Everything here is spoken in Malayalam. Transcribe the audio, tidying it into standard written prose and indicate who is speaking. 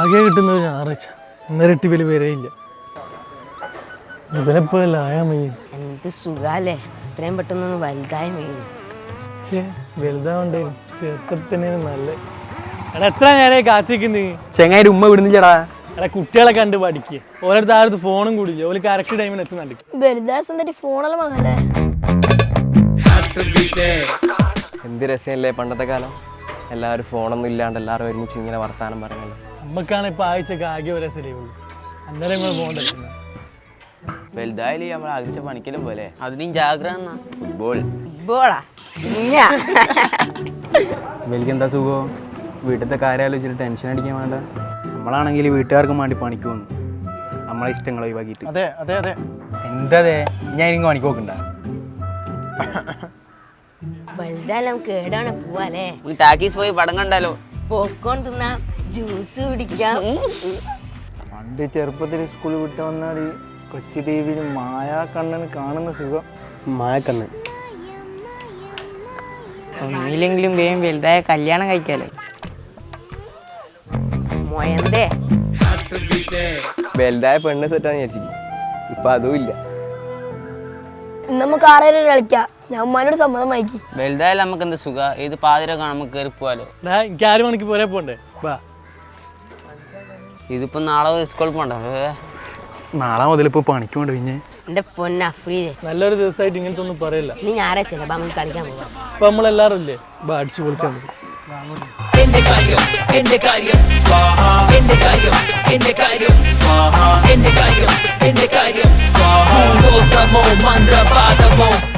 Speaker 1: ആകെ കിട്ടുന്നത് ഞായറാഴ്ച. ഇന്നരട്ടി വലിയ പേരേയില്ല. ഇവനെപ്പോഴല്ല ആയാ മയ്യ.
Speaker 2: എന്ത് സുഖാലേ, ഇത്രയും പെട്ടെന്നൊന്ന് വലുതായ മയ്യ.
Speaker 1: വലുതാവണ്ടേ, ചെറുപ്പത്തിൽ തന്നെയാണ് നല്ല. എടാ എത്ര നേരമായി കാത്തിരിക്കുന്നേ?
Speaker 3: ചെങ്ങായി ഉമ്മ വിടുന്നില്ലടാ.
Speaker 1: എടാ കുട്ടികളെ കണ്ട് പഠിക്കുക. ഓരോരുത്തർ ആരുടെ ഫോണും കൂടില്ല, ഓല് കറക്റ്റ് ടൈമിന് എത്തുന്നുണ്ട്.
Speaker 3: എന്ത് രസമല്ലേ പണ്ടത്തെ കാലം. എല്ലാവരും ഫോണൊന്നും ഇല്ലാണ്ട് എല്ലാവരും ഒരുമിച്ച് ഇങ്ങനെ വർത്താനം പറയണല്ലോ.
Speaker 1: നമ്മക്കാണ് ഇപ്പൊ ആഴ്ചക്ക് ആകെ ഒരു രസമല്ലേ ഉള്ളൂ. അന്നേരം നമ്മൾ പോകണ്ടല്ലോ.
Speaker 4: വലുതായാലും നമ്മൾ ആഗ്രഹിച്ച പണിക്കലും പോലെ.
Speaker 2: അതിനും ജാഗ്രത.
Speaker 4: ഫുട്ബോൾ
Speaker 2: ഫുട്ബോളാ
Speaker 3: വലിക്ക് എന്താ സുഖം? വീട്ടിലത്തെ കാര്യം ആലോചിച്ചിട്ട് ടെൻഷൻ അടിക്കാൻ വേണ്ട. നമ്മളാണെങ്കിൽ വീട്ടുകാർക്കും വേണ്ടി പണിക്ക് പോകുന്നു, നമ്മളെ ഇഷ്ടങ്ങൾ ഒഴിവാക്കിയിട്ട്.
Speaker 1: അതെ അതെ അതെ.
Speaker 3: എന്താ ഞാൻ എനിക്ക് പണിക്ക് നോക്കണ്ട.
Speaker 2: വലുതായാലും നമുക്ക് ഏടാണ് പോവാലേ.
Speaker 4: ടാക്കീസ് പോയി പടം കണ്ടാലോ?
Speaker 2: പോപ്കോൺ തിന്നാം, ജ്യൂസ് കുടിക്കാം.
Speaker 5: പണ്ട് ചെറുപ്പത്തിൽ സ്കൂളിൽ വിട്ട് വന്നാൽ കൊച്ചി ടി വിയിൽ മായാക്കണ്ണന് കാണുന്ന സുഖം.
Speaker 3: മായക്കണ്ണൻ
Speaker 2: ഒന്നില്ലെങ്കിലും വേഗം വലുതായ കല്യാണം കഴിക്കാലോ. മൊയന്തേ
Speaker 3: വലുതായ പെണ്ണ് സെറ്റാന്ന് വിചാരിച്ചിരിക്കും. ഇപ്പൊ അതും ഇല്ല.
Speaker 6: നമുക്ക് ആറേലും കളിക്കാം. ഞാൻ ഉമ്മാനോട് സമ്മതം വായിക്കി.
Speaker 4: വലുതായാലും നമുക്ക് എന്താ സുഖ, ഏത് പാതിരൊക്കെ നമുക്ക് കയറി പോവാലോ.
Speaker 1: എനിക്ക് 6 മണിക്ക് പോരെ പോണ്ടേ? വാ.
Speaker 4: ഇതിപ്പോ നാളെ സ്കൂളിൽ പോണ്ട.
Speaker 3: നാളെ മുതൽ ഇപ്പൊ പണിക്ക് പോണ്ട. പിന്നെ
Speaker 2: എന്റെ പൊന്ന അഫ്രീദേ,
Speaker 1: നല്ലൊരു ദിവസമായിട്ട് ഇങ്ങനത്തെ ഒന്നും പറയില്ല.
Speaker 2: നീ ഞായറാഴ്ച നമുക്ക് കളിക്കാൻ പോകാം.
Speaker 1: അപ്പൊ നമ്മളെല്ലാരും ഇല്ലേ, അടിച്ചു പൊളിക്കാൻ പറ്റും.
Speaker 7: എന്റെ കാര്യം എന്റെ കാര്യം സ്വാഹ, എന്റെ കാര്യം എന്റെ കാര്യം സ്വാഹ, എന്റെ കാര്യം എന്റെ കാര്യം സ്വാഹ. മന്ത്രവാദമോ